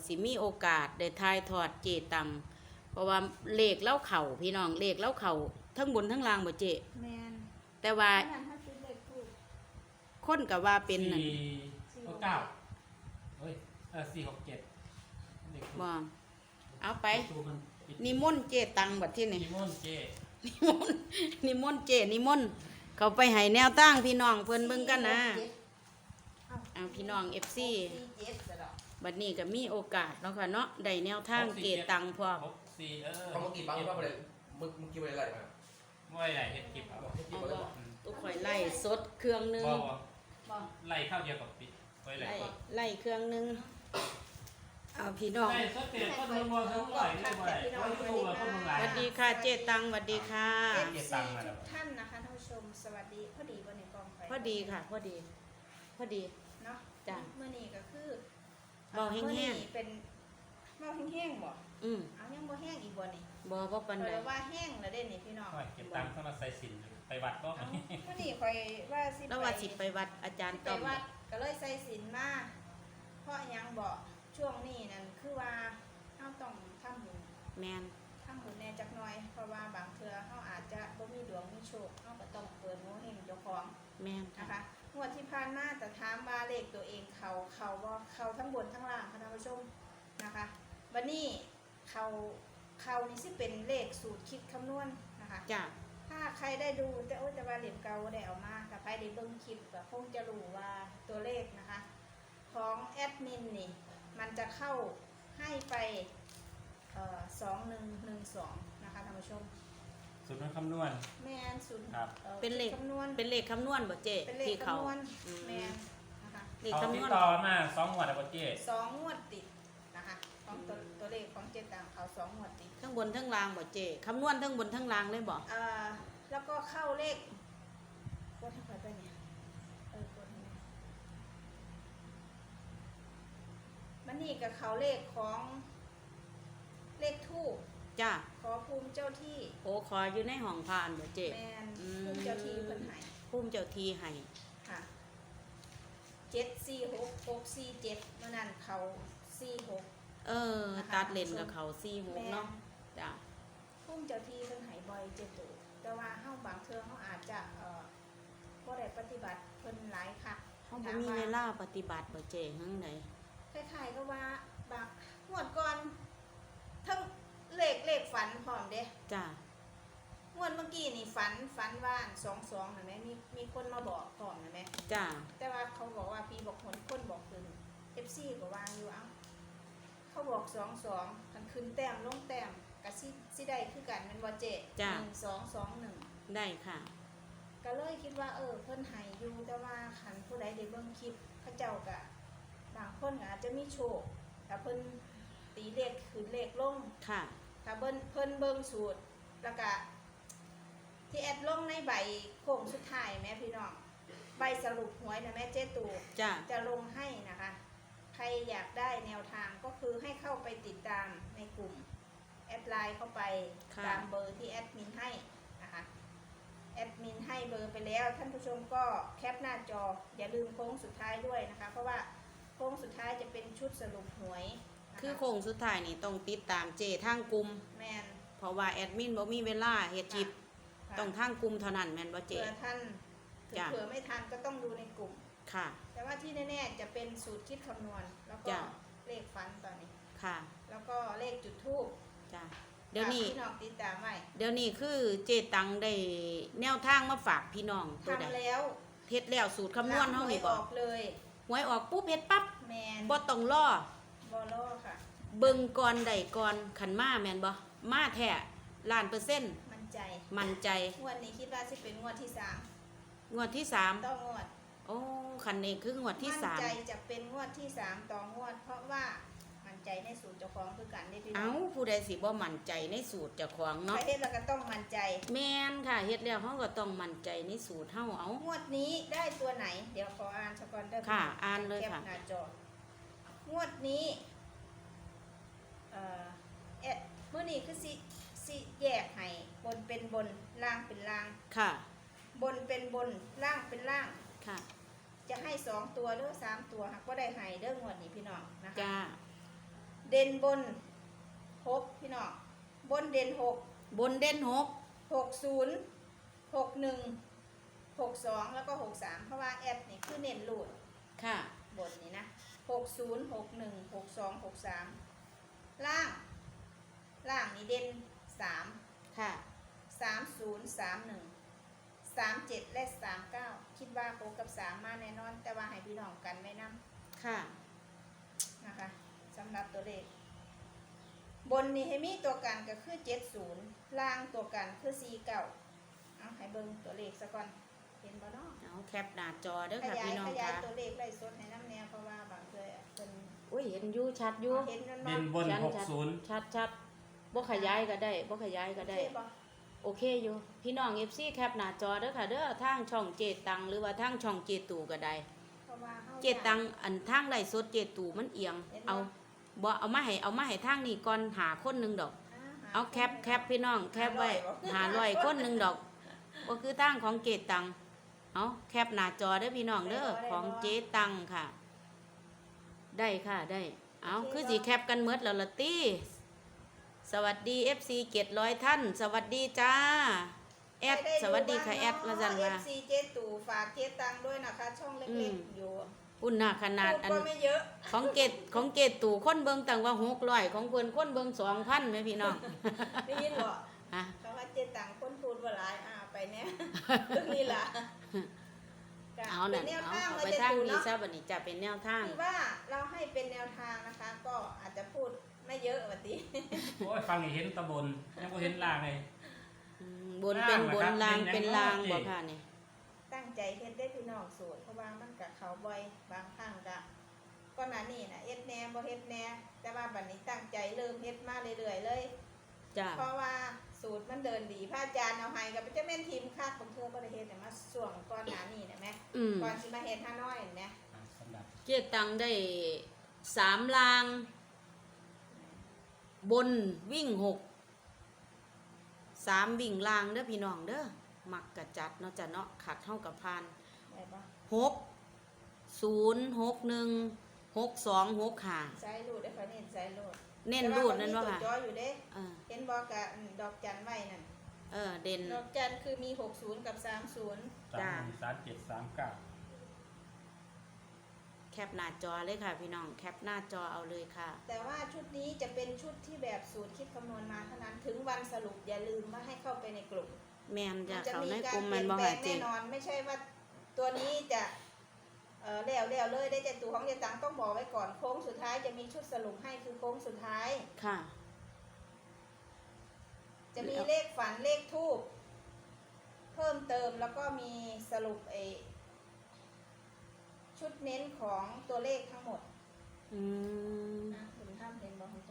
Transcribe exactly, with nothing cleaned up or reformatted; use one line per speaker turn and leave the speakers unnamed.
สิมีโอกาสได้ทายทอดเจตังเพราะว่าเลขเล่าเข่าพี่น้องเลขเล่าเข่าทั้งบนทั้งล่างบ่เจ
แมน
แต่ว่า
ขนาดถ้าซื้อเลขถูก
คนก็ว่าเป็นนั่น
สี่หกเก้าเฮ้ยเออสี่หกเจ็ดเด็ก
บ่เอาไป
ตัวมันปิด
นิมนต์เจตังบัดที่นี่
นิมนต์เจ
นิมนต์นิมนต์เจนิมนต์เขาไปให้แนวตั้งพี่น้องเพิ่นเบิ่งกันนะเอาพี่น้อง เอฟ ซี บัดนี้ก็มีโอกาสเนาะค่ะเนาะได้แนวทางเกตังพร้อม
หกสี่เออ
เขาเมื่อกี้ปั๊มว่าอะไรมึงมึงกินอะไรมา
ไม่ไหลเห็ดกิบครับ
บอกให้กิน
เอา
อะไร
บ่
บอก
ตุกข่อยไล่สดเครื่องหนึง
บ่บ่
บ่
ไหลข้าวเดียวกับปิดไว้ไหล
ไล่ไล่เครื่องหนึงเอาพี่น้อง
ไหลสดเตะคนเมืองเมืองทั้งไหลเลยบ่ไหลคนดูว่าคนเมืองไหล
สวัสดีค่ะเจตังสวัสดีค่ะ
เอฟ
เก็บ
ซี
ตังค์มาแล้
ทุ
ว
กท่านนะคะท่านผู้ชมสวัสดีพอดีบนในกองไฟ
พอดีค่ะพอดี พอดี
เนาะ
จ้ะ
เมื่อนี้ก็คือ
เบาแห้งๆ
มื้อนี้เป็นเบาแห้งๆบ่
อืม
เอายังบ่แห้งอีกบ่นี่
บ่บ่ปานใด
เพราะว่าแห้งแล้วเด้นี่พี่น้อง
เก็บตังค์เข้ามาใส่สินไปวัดก็
เอามื่อนี้ข่อยว่าสิ
แล้วว่าสิไปวัดอาจารย์
ไป
ต้อม
วัดก็เลยใส่ศีลมาเพราะหยังบ่ช่วงนี้นั่นคือว่าเฮาต้องทำบุญ
แมน
ทำบุญแหน่จักหน่อยเพราะว่าบางเทื่อเขาอาจจะบ่มีดวงมีโชคเขาก็ต้องเปิดโงเฮงเจ้าของ
แมน
นะคะงวดที่ผ่านมาแต่ถามว่าเลขตัวเองเขาเขาบ่เขาทั้งบนทั้งล่างค่ะท่านผู้ชมนะคะวันนี้เขาเขานี่สิเป็นเลขสูตรคิดคำนวณนะคะ
จ้ะ
ถ้าใครได้ดูแต่โอ้แต่ว่าเหลี่ยมเก่าได้เอามาแต่ใครได้เบิ่งคลิปก็คงจะรู้ว่าตัวเลขนะคะ ของแอดมินนี่มันจะเข้าให้ไปสองหนึ่งหนึ่งสองนะคะท่านผู้ชม
สุดนั้นคำนวณ
แมนศูนย์
ครับ
อ่อ
เป็นเลข
คำนวณ
เป็นเลขคำนวณบ่เจ
เป็นเลข
ที่เขา
คำนวณ
อืม
แมนนะคะ
เลข
เขา
คำ
ติ
น
ด
วณ
ต่อมาสองหมวดอะบ่เจ
สองงวดติดนะคะของตัวตัวเลขของเจตังเขาสองงวดติด
ทั้งบนทั้งล่างบ่เจคำนวณทั้งบนทั้งล่างเลยบ่
อ่าแล้วก็เข้าเลขกดให้ค่อยไปเนี่ยเออกดให้หน่อยมันนี่กับเขาเลขของเลขทูป
จ้ะ
ขอภูมิเจ้าที่
โอ้ขออยู่ในห้องพานบ่เจ
แมน
อืม
ภูมิเจ้าที่เพิ่นให้
ภูมิเจ้าที่ให้
ค่ะเจ็ดสี่หกหกสี่เจ็ดเมื่อนั้นเขาสี่หก
เออ
นะคะ
ตัดเลนกับเขาสี่หก
แม่น
เนาะจ้ะ
ภูมิเจ้าที่เพิ่นให้บ่อยเจ็ดตัวแต่ว่าเฮาบางเทื่อเฮาอาจจะเอ่อบ่ได้ปฏิบัติเพิ่นหลายค่ะ
เขาบ่มีเวลาปฏิบัติบ่เจหังไหน
คล้ายๆก็ว่าบางงวดก่อนทั้งเลขเลขฝันพร้อมเด้
จ้ะ
งวดเมื่อกี้นี่ฝันฝันว่าสองสองเห็นไหมมีมีคนมาบอกพร้อมเห็นไหม
จ้ะ
แต่ว่าเขาบอกว่าพี่บอกคนคนบอกคืนเอฟซีก็วางอยู่เอ้าเขาบอกสองสองมันขึ้นแต้มลงแต้มกับซิซิได้คือกันเป็นว่าเจหนึ่งสองสองหนึ่ง
ได้ค่ะ
ก็เลยคิดว่าเออเพิ่นใหายอยู่แต่ว่าขันผู้ใดได้เบิ่งคลิปเขาเจ้ากะบางคนก็อาจจะมีโชคแต่เพิ่นตีเลขขึ้นเลขลง
ค่ะ
ถ้าเบิ่นเพิ่นเบิ่งสูตรแล้วก็ที่แอดลงในใบโค้งสุดท้ายแม่พี่น้องใบสรุปหวยนะแม่เจ๊ตู
จ้ะ
จะลงให้นะคะ ใครอยากได้แนวทางก็คือให้เข้าไปติดตามในกลุ่มแอดไลน์เข้าไป
ค่ะ
ตามเบอร์ที่แอดมินให้นะคะแอดมินให้เบอร์ไปแล้วท่านผู้ชมก็แคปหน้าจออย่าลืมโค้งสุดท้ายด้วยนะคะ เพราะว่าโค้งสุดท้ายจะเป็นชุดสรุปหวยนะะ
คือโค้งสุดท้ายนี่ต้องติดตามเจทางกลุ่ม
แมน
เพราะว่าแอดมินบ่มีเวลาเฮ็ดคลิป
ค่ะ
ต้องทางกลุ่มเท่านั้นแม่นบ่เจ
เผื่อท่านถึง
จ้ะ
เผื่อไม่ทันก็ต้องดูในกลุ่ม
ค่ะ
แต่ว่าที่แน่ๆจะเป็นสูตรคิดคำนวณ แล้วก็
จ้ะ
เลขฟันตอนนี้
ค่ะ
แล้วก็เลขจุดทูบ
จ้ะเดี๋ยวนี้
พี่น้องติดตามไว้
เดี๋ยวนี้คือเจตังได้แนวทางมาฝากพี่น้องตัวใด
ทำแล้ว
เฮ็ดแล้วสูตรคำนวณเฮานี่
ห
บ่
วยออกเลย
หวยออกปุ๊บเฮ็ดปั๊บ
แมน
บ่ต้องรอบ
อลโลค่ะ
เบิ่งก่อนได้ก่อนคันมาแม่นบ่มาแท้ล้านเปอร์เซ็นต์
มั่นใจ
มั่นใจ
งวดนี้คิดว่าจะเป็นงวดที่สาม
งวดที่สาม
ต้องงวด
โอ้คันนี้คืองวดที่
มั่น
สาม
ใจจะเป็นงวดที่สามต่องวด เพราะว่ามั่นใจในสูตรเจ้าของคือกันได้พี่น้
เอ้า
อง
ผู้ใดสิบ่มั่นใจในสูตรเจ้าของ
ใคร
เนาะ
เฮ็ดเราก็ต้องมั่นใจ
แม่นค่ะเฮ็ดแล้วเฮาก็ต้องมั่นใจในสูตรเฮาเอา
งวดนี้ได้ตัวไหน เดี๋ยวขออ่านสกอนเดอร์
ค่ะอ่านเลย
แคป
ค่ะ
หน้าจองวดนี้เอ่อเอ็ดมื้อนี้คือสิสิแยกให้บนเป็นบนล่างเป็นล่าง
ค่ะ
บนเป็นบนล่างเป็นล่าง
ค่ะ
จะให้สองตัวหรือสามตัวหากก็ได้ให้เด้องวดนี้พี่น้องนะคะ
จ้า
เด่นบนหกพี่น้องบนเด่นหก
บนเด่นหก
หกศูนย์หกหนึ่งหกสองแล้วก็หกสามเพราะว่าแอดนี่คือเน้นรูด
ค่ะ
บนนี้นะหกศูนย์หกหนึ่งหกสองหกสามล่าง ล่างนี่เด่นสาม
ค่ะ
สามศูนย์สามหนึ่งสามเจ็ดและสามเก้าคิดว่าโคกับสามมาแน่นอน แต่ว่าให้พี่น้องกันไว้นำ
ค่ะ
นะคะสำหรับตัวเลข บนนี่ให้มีตัวกันก็คือเจ็ดศูนย์ล่างตัวกันคือสี่เก้าเอาให้เบิ่งตัวเลขซะก่อนเห็นบ่เนาะ
เอาแคปหน้าจอเด้อ
ข
ค่ะ
ยาย
พี่น้อง
ขยาย
ค่ะ
ตัวเลขไล่สดให้น้ำแนวเพราะว่าบางเทื่อเป็น
อุ้ยเห็นอยู่ชัดอยู่
เห็นมัน
เด่นบน
ชัด
หกศูนย์
ชัดชัดบ่ขยายก็ได้บ่ขยายก็ได้
ใช่ปะ
โอเคอยู่ พี่น้อง เอฟ ซี แคปหน้าจอเด้อค่ะเด้อทางช่องเจตังหรือว่าทางช่องเจตูก็ได้
เพราะว่าฮา
เจตังอันทางไลฟ์สดเจตูมันเอียง
เห็นบ่
เอาบ่เอามาให้เอามาให้ทางนี้ก่อนหาคนหนึงดอก
ห
เอาแคปแคปพี่น้องแคปไว้
หา
หา
ร้
ร้
อ
อย ยคนหนึงดอกก็คือทางของเจตังเอาแคปหน้าจอเด้อพี่น้องเด้อของเจตังค่ะ ได้ค่ะได้ เอาคือสิแคปกันเมดแล้วละตี้สวัสดี เอฟ ซี เจ็ดร้อยท่าน สวัสดีจ้าแอดสวัสดีค่ะแอดละจัน
เอ
ว่า
ฟซีเจตู่ฝากเจตังด้วยนะคะ ช่องเล็กๆอยู่
อุ่นหน้าขนาด
พูด
อัน
ก็ไม่เยอะ
ของเกตของเกตตู่คนเบิงต่างว่าหกร้อยของเพิ่นคนเบิงสองพันไหมพี่น้อง
ได้ยินบ่
ฮะ
เขาว่าเจตังคนพูดว่าหลายอ่าไปเนี่ย เรื่องนี้ล่ะก็
เอา
เป็
น่ะ
นแนว
เอา
ทาง
เอา
เรา
ไป
จะ
ทาง
ดู
นี้
เนาะ
ซะบัดนี้จะเป็นแนวทาง
คือว่าเราให้เป็นแนวทางนะคะ ก็อาจจะพูดไม่เยอะวันนี้
โอ้ยฟังนี่เห็นตะบนยังบ่เห็นล่างเลย
อืมบนเป็นบน
ล่า
ลาง ง
เหรอครับ
เป็นลาง
เป็นยังไง
บ่ค่ะนี่
ตั้งใจเฮ็ดได้พี่น้องสูตรเพราะว่ามันกับเขาบ่อยบางครั้งก็ก็หน้านี่นะเฮ็ดแหน่บ่เฮ็ดแหน่แต่ว่าบัดนี้ตั้งใจเริ่มเฮ็ดมาเรื่อยๆเลย
จ้า
เพราะว่าสูตรมันเดินดีพระอาจารย์เอาให้กับจะแม่นทีมคาดของเธอบ่ได้เฮ็ดเนี่ยมาส่วงก่อนหน้านี้นะแม่
อืม
ก่อนสิมาเฮ็ดฮานอยนี่นะ
อ่ะสำหรับ
เจตังได้สามลาง บนวิ่งหกสามวิ่งลางเด้อพี่น้องเด้อมักกะจัดเนาะจ้ะเนาะขัดเท่ากับพาน
ได้บ่
หกศูนย์หกหนึ่งหกสองหกห้า
ใช้รูดได้ค่อยเน้นใช้รูด
เน้นรูดนั่นว่า
แต่
ค่ะ
ว่ามันมีตัวจออยู่เด้
เออ
เห็นบ่กะดอกจันไว้นั่น
เออเด่น
ดอกจันคือมีหกสิบกับสามสิบ
จ้า
สามสามเจ็ดสามเก้า
แคปหน้าจอเลยค่ะพี่น้องแคปหน้าจอเอาเลยค่ะ
แต่ว่าชุดนี้จะเป็นชุดที่แบบสูตรคิดคำนวณมาเท่านั้นถึงวันสรุปอย่าลืมว่าให้เข้าไปในกลุ่ม
แมนจะ
มันจะ
เขา
มี
ใน
กาก ร
ลุ่ม
เป
มั
ลี่
น
ยน
บ่
แปล
หาง จริ
แน่
ง
นอน ไม่ใช่ว่าตัวนี้จะเออแล้วแล้วเลยได้แต่ตัวของยายตังต้องบอกไว้ก่อนโค้งสุดท้ายจะมีชุดสรุปให้คือโค้งสุดท้าย
ค่ะ
จะมีเลขฝันเลขทูบเพิ่มเติมแล้วก็มีสรุปเอชุดเน้นของตัวเลขทั้งหมด
อืม
นะคุณท่านเห็นบอกคุณจ